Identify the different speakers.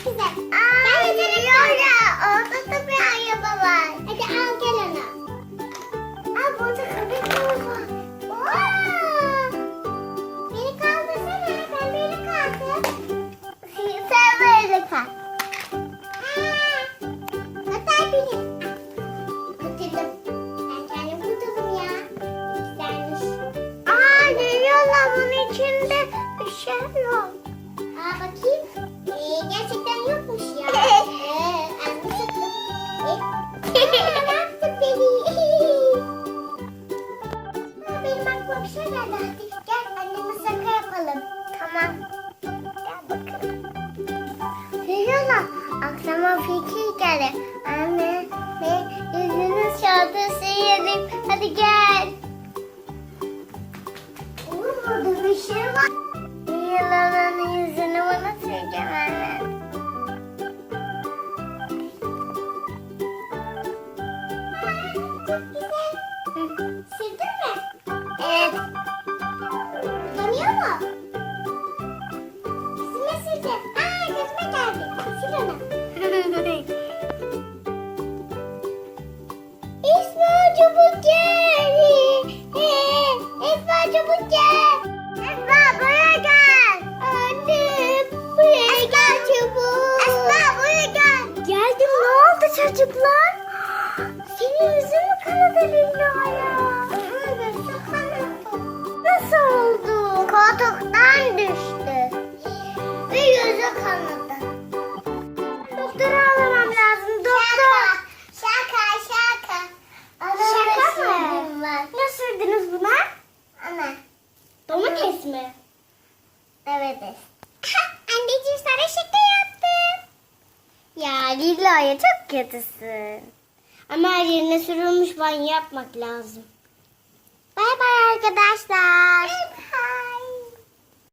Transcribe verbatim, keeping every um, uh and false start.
Speaker 1: güzel. Aa, geliyor ya. Orada da bir araba var. Hadi al gel onu. Aa, burada köpek var. Aa, beni kaldırsana. Sen beni kaldır. Sen böyle kal. Aa, hatta benim. Kurtuldum. Ben kendim kurtuldum ya. Güzelmiş. Aa, geliyorlar. Bunun içinde bir şey yok. Aa, bakayım. Ee, gerçekten yokmuş ya. Ee, anlaşıldı. Ee, ne yaptın beni? Aa, benim aklıma bir şey geldi. Hadi gel anneme şaka yapalım. Tamam. Gel bakalım. Geliyorlar. Aklıma fikir geldi. Anne, ben yüzünü şarkısı yedim. Hadi gel. Olur burada bir şey var. Yılanın yüzünü bana sileceğim anne. Çok güzel. Sildin mi? Evet. Yanıyor mu? Yüzüme sileceğim. Aa, gözüme geldi. Sil onu. İsmail çabuk gel. İsmail çabuk gel. Esma buraya gel. Anne buraya gel çabuk. Esma buraya gel. Geldim, ne oldu çocuklar? Senin yüzün mü kanadı Lilla'ya? Evet, kanadı. Nasıl oldu? Koltuktan düştü. Ve yüzü kanadı. Doktora alamam lazım. Doktor. Şaka şaka. Şaka mı? Ne sürdünüz buna? Ana. Domates mi? Evet. Anneciğim sana şaka yaptım. Ya Lilla'ya çok kötüsün. Ama her yerine sürülmüş banyo yapmak lazım. Bay bay arkadaşlar. Bay bay.